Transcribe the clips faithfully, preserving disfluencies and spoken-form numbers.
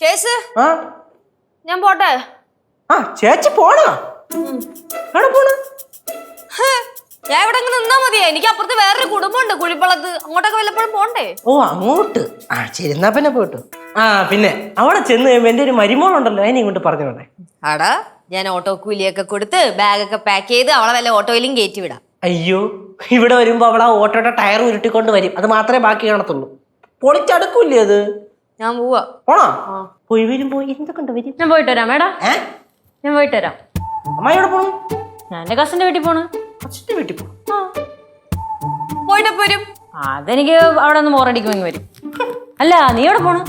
ചേച്ചി ഞാൻ പോട്ടെ. ആ ചേച്ചി പോണോ? പോണ ഞാൻ ഇവിടെ നിന്നാ മതിയാ. എനിക്ക് അപ്പുറത്ത് വേറൊരു കുടുംബമുണ്ട് കുഴിപ്പള്ളത്ത്. അങ്ങോട്ടൊക്കെ വല്ലപ്പോഴും പോണ്ടേ? ഓ അങ്ങോട്ട്. ആ ശരി എന്നാ പിന്നെ പോട്ടു. ആ പിന്നെ അവിടെ ചെന്ന് കഴിയുമ്പോ എന്റെ ഒരു മരുമോളുണ്ടല്ലോ, അതിനെ ഇങ്ങോട്ട് പറഞ്ഞോണ്ടേ. ആടാ ഞാൻ ഓട്ടോ കൂലിയൊക്കെ കൊടുത്ത് ബാഗൊക്കെ പാക്ക് ചെയ്ത് അവളെ വല്ല ഓട്ടോയിലും കയറ്റി വിടാം. അയ്യോ ഇവിടെ വരുമ്പോ അവളെ ഓട്ടോയുടെ ടയർ ഉരുട്ടിക്കൊണ്ട് വരും. അത് മാത്രമേ ബാക്കി കാണത്തുള്ളൂ. പൊളിച്ചടുക്കൂല്ലേ അത്. ഞാൻ പോവാ. പോണോ? പോയി വരുമ്പോ എന്തൊക്കെ വരും. ഞാൻ പോയിട്ട് വരാം മേഡം. ഞാൻ പോയിട്ട് വരാം. അമ്മായി എവിടെ പോണു? ഞാൻ എന്റെ കസിന്റെ വീട്ടിൽ പോണു. കസിന്റെ വീട്ടിൽ പോണു. പോയിട്ട് വരും. അതെനിക്ക് അവിടെ ഒന്ന് ബോറടിക്കുമെങ്കിൽ വരും. അല്ല നീ എവിടെ പോണു?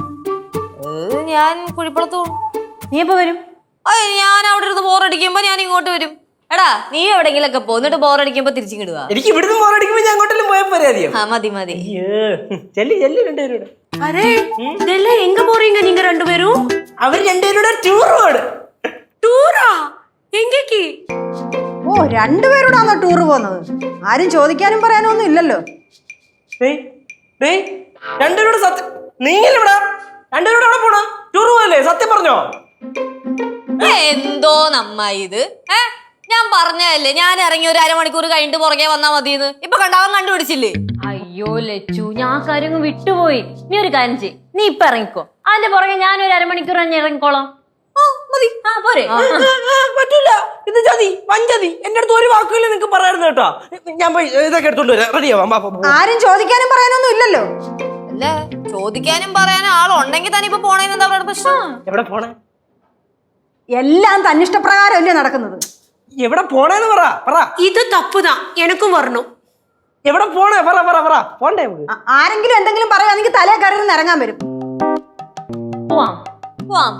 ഞാൻ കുഴിപ്പള്ളത്ത് പോണു. നീ എപ്പോ വരും? ഞാൻ അവിടെ ഇരുന്ന് ബോറടിക്കുമ്പോ ഞാൻ ഇങ്ങോട്ട് വരും. എടാ നീ എവിടെങ്കിലൊക്കെ പോന്നിട്ട് ബോറടിക്കുമ്പോ തിരിച്ചിടുക. എനിക്ക് ഇവിടുന്ന് ബോറടിക്കുമ്പോ ഞാൻ അങ്ങോട്ടെല്ലാം പോയാൽ പോരെ. അറിയാം. ആ മതി മതി. ചെല്ലി ചെല്ലി രണ്ടുപേരോട്. அரே இதெல்லாம் எங்க போறீங்க நீங்க ரெண்டு பேரும்? அவர் ரெண்டு பேரோட ടൂർ പോണ്. ടൂറാ? എങ്കേക്ക്? ഓ രണ്ടുപേരോടാണോ ടൂർ പോകുന്നത്? ആരും ചോദിക്കാനും പറയാനും ഒന്നും ഇല്ലല്ലോ. ഡേയ് ഡേയ് രണ്ടുപേരോട് സത്യം നീങ്ങില്ലടാ. രണ്ടുപേരോട് എവിടെ പോണ? ടൂർ പോയല്ലേ? സത്യം പറഞ്ഞോ? എന്തോ നമ്മ ഇത് ഏ ഞാൻ പറഞ്ഞതല്ലേ ഞാൻ ഇറങ്ങി ഒരു അരമണിക്കൂർ കഴിഞ്ഞിട്ട് പുറകെ വന്നാ മതിയെന്ന്. ഇപ്പൊ കണ്ടാവൻ കണ്ടുപിടിച്ചില്ലേ? അയ്യോ ലച്ചു, ഞാൻ കാര്യം വിട്ടുപോയി. നീ ഒരു കാര്യം ചെയ്യ്, നീ ഇപ്പൊ ഇറങ്ങിക്കോ. അതിന്റെ പുറകെ ഞാൻ ഒരു അരമണിക്കൂർ തന്നെ ഇറങ്ങിക്കോളാം. പോരെ? പറ്റൂല, ഇത് ചതി വഞ്ചതി. എന്റെ അടുത്ത് ഒരു വാക്കുകൾ നിനക്ക് പറയായിരുന്നു കേട്ടോ. ഞാൻ പോയി ഇതൊക്കെ എടുത്തോണ്ട് വരാം. റെഡിയാവാം. ആരും ചോദിക്കാനും പറയാനൊന്നും ഇല്ലല്ലോ. അല്ല ചോദിക്കാനും പറയാനും ആളുണ്ടെങ്കിൽ തന്നെ ഇപ്പൊ പോണേന്ന് എന്താ പറയുക പ്രശ്നം? എവിടെ പോണേ? എല്ലാം തന്നിഷ്ടപ്രകാരം അല്ലേ നടക്കുന്നത്. എവിടെ പോണേന്ന് പറ പറ. ഇത് തപ്പുതാ, എനക്കും വരണം. എവിടെ പോണേ പറ പറ പറ. പോണ്ടേ? ആരെങ്കിലും എന്തെങ്കിലും പറയുകയാണെങ്കിൽ തലേ കയറി ഇറങ്ങാൻ വരും. പോവാം പോവാം.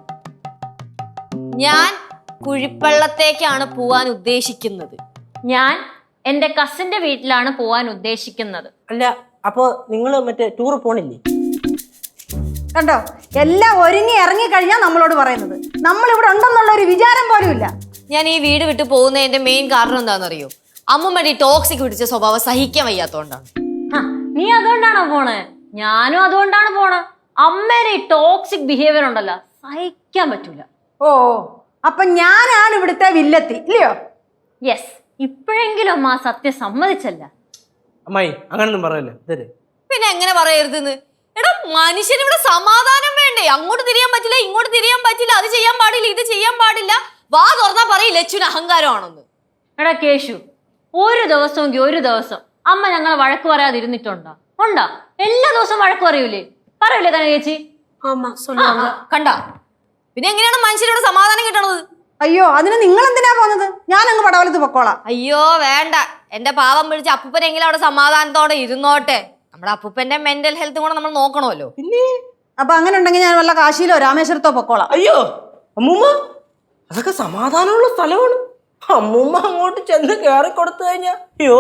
ഞാൻ കുഴിപ്പള്ളത്തേക്കാണ് പോവാൻ ഉദ്ദേശിക്കുന്നത്. ഞാൻ എന്റെ കസിന്റെ വീട്ടിലാണ് പോവാൻ ഉദ്ദേശിക്കുന്നത്. അല്ല അപ്പൊ നിങ്ങള് മറ്റേ ടൂർ പോണില്ലേ? കണ്ടോ, എല്ലാം ഒരുങ്ങി ഇറങ്ങി കഴിഞ്ഞാൽ നമ്മളോട് പറയുന്നത്. നമ്മൾ ഇവിടെ ഉണ്ടെന്നുള്ള ഒരു വിചാരം പോലും ഇല്ല. ഞാൻ ഈ വീട് വിട്ട് പോകുന്നതിന്റെ മെയിൻ കാരണം എന്താണെന്നറിയോ? അമ്മുമ്മയുടെ ഈ ടോക്സിക് പിടിച്ച സ്വഭാവം സഹിക്കാൻ വയ്യാത്തോണ്ടാണ്. നീ അതുകൊണ്ടാണോ പോണേ? ഞാനും അതുകൊണ്ടാണ് പോണേ. അമ്മേരെ ഈ ടോക്സിക് ബിഹേവിയർ ഉണ്ടല്ലോ, സഹിക്കാൻ പറ്റൂല. ഓ അപ്പൊ ഞാനാണ് ഇവിടുത്തെ വില്ലത്തി ഇല്ലയോ? യെസ്, ഇപ്പോഴെങ്കിലും അമ്മ ആ സത്യം സമ്മതിച്ചല്ല. അമ്മായി അങ്ങനൊന്നും പറയല്ലേ. ഇതേ പിന്നെ എങ്ങനെ പറയരുതെന്ന്? എടാ മനുഷ്യന് ഇവിടെ സമാധാനം വേണ്ടേ? അങ്ങോട്ട് തിരിയാൻ പറ്റില്ല, ഇങ്ങോട്ട് തിരിയാൻ പറ്റില്ല, അത് ചെയ്യാൻ പാടില്ല, ഇത് ചെയ്യാൻ പാടില്ല. വാ തുറന്നാ പറയും ലച്ചുവിന് അഹങ്കാരമാണെന്ന്. എടാ കേശു, ഒരു ദിവസമെങ്കിൽ ഒരു ദിവസം അമ്മ ഞങ്ങളെ വഴക്ക് പറയാതിരുന്നിട്ടുണ്ടോ? ഉണ്ടോ? എല്ലാ ദിവസവും വഴക്ക് പറയൂലേ? പറയൂലേ കന ചേച്ചി? ஆமா சொல்லுவாங்க. കണ്ട പിന്നെ എങ്ങനെയാണ് മനുഷ്യരോട് സമാധാനം കിട്ടണത്? അയ്യോ അതിന് നിങ്ങൾ എന്തിനാ പോകുന്നത്? ഞാൻ അങ്ങ് പടവലത്ത് പൊക്കോളാം. അയ്യോ വേണ്ട, എന്റെ പാവം പിടിച്ച് അപ്പൂപ്പനെങ്കിലും അവിടെ സമാധാനത്തോടെ ഇരുന്നോട്ടെ. നമ്മുടെ അപ്പൂപ്പന്റെ മെന്റൽ ഹെൽത്ത് കൂടെ നമ്മൾ നോക്കണമല്ലോ. പിന്നെ അപ്പൊ അങ്ങനെ ഉണ്ടെങ്കിൽ ഞാൻ വല്ല കാശിയിലോ രാമേശ്വരത്തോ പൊക്കോളാം. അയ്യോ അമ്മൂമ്മ, അതൊക്കെ സമാധാനമുള്ള സ്ഥലമാണ്. അമ്മൂമ്മ അങ്ങോട്ട് ചെന്ന് കയറി കൊടുത്തു കഴിഞ്ഞാ അയ്യോ.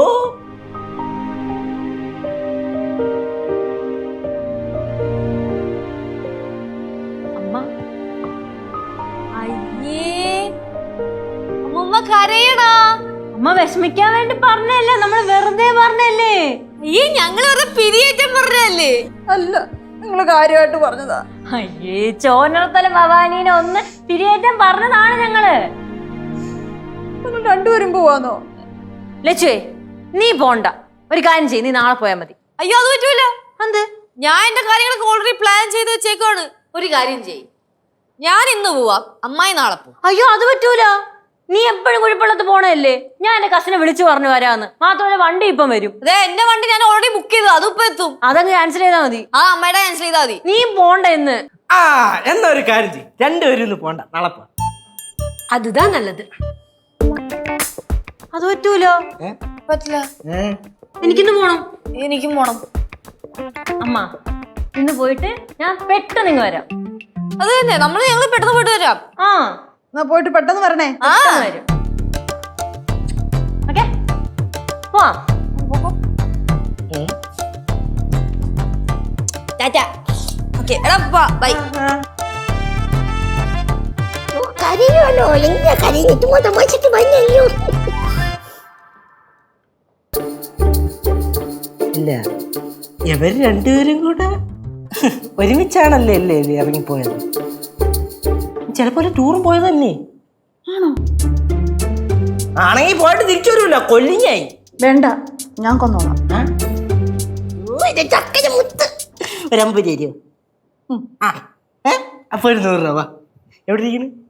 അമ്മ അയ്യേ അമ്മൂമ്മ കരയടാ. അമ്മ വിഷമിക്കാൻ വേണ്ടി പറഞ്ഞല്ലേ, നമ്മൾ വെറുതെ പറഞ്ഞല്ലേ. ഈ ഞങ്ങൾ വെറുതെ പിരിയേറ്റം പറഞ്ഞല്ലേ? അല്ല, നിങ്ങൾ കാര്യമായിട്ട് പറഞ്ഞതാ. അയ്യേ ചോനർത്തല ഭവാനീനെ ഒന്ന് പിരിയേറ്റം പറഞ്ഞതാണ് ഞങ്ങള്. രണ്ടുപേരും പോവാന്നോ? ലച്ചുവേ നീ പോണ്ട, ഒരു കാര്യം ചെയ്യ്, നീ നാളെ പോയാൽ മതി. അയ്യോ അത് പറ്റൂല. എന്ത്? ഞാൻ എന്റെ കാര്യങ്ങളൊക്കെ ഓൾറെഡി പ്ലാൻ ചെയ്ത് വെച്ചേക്കാണ്. ഒരു കാര്യം ചെയ്യ്, ഞാൻ ഇന്ന് പോവാം, അമ്മായി നാളെ പോവാം. അയ്യോ അത് പറ്റൂല, നീ എപ്പോഴും കുഴിപ്പള്ളത്ത് പോണല്ലേ. ഞാൻ എന്റെ കസിനെ വിളിച്ചു പറഞ്ഞു വരാന്ന്. മാത്രമല്ല വണ്ടി ഇപ്പം വരും. അതെ എന്റെ വണ്ടി ഞാൻ ഓൾറെഡി ബുക്ക് ചെയ്തു, അതിപ്പോ എത്തും. അതങ്ങ് ക്യാൻസൽ ചെയ്താൽ മതി. ആ അമ്മയുടെ ക്യാൻസൽ ചെയ്താൽ മതി. നീ പോണ്ട ഇന്ന്. ആ എന്നാ ഒരു കാര്യം ചെയ്യും, രണ്ടുപേരും ഇന്ന് പോണ്ട, നാളെ പോ. அதுதான் நல்லது. അത് പറ്റൂലോ. പറ്റില്ല, എനിക്കിന്ന് പോണം. എനിക്കും പോണം. അമ്മ ഇന്ന് പോയിട്ട് ഞാൻ പെട്ടെന്ന് ഇങ്ങ് വരാം. അത് തന്നെ, നമ്മള് ഞങ്ങള് പെട്ടെന്ന് പോയിട്ട് വരാം. ആ എന്നാ പോയിട്ട് പെട്ടെന്ന് വരണേ. ആ വരും. ഓക്കെ പോവാം. ടാറ്റാ. ഓക്കെ എടാ ബൈ. കരയുമല്ലോ, എങ്ങനെ കരഞ്ഞിട്ട് തമാശക്ക് വന്നല്ലോ. ഇല്ല ഇവര് രണ്ടുപേരും കൂടെ ഒരുമിച്ചാണല്ലേ അല്ലേ ഇത് ഇറങ്ങിപ്പോയത്? ചിലപ്പോ ഒരു ടൂറും പോയതല്ലേ? ആണോ? ആണെങ്കിൽ പോയിട്ട് തിരിച്ചു വരുമല്ലോ, കൊല്ലിങ്ങായി. വേണ്ട, ഞാൻ കൊന്നോളാം. ചക്കര മുത്ത് ഒരു അമ്പത് തരുമോ? ആ ഏ അപ്പൊ ഒരു നൂറ് രൂപ എവിടെ ഇരിക്കുന്നു?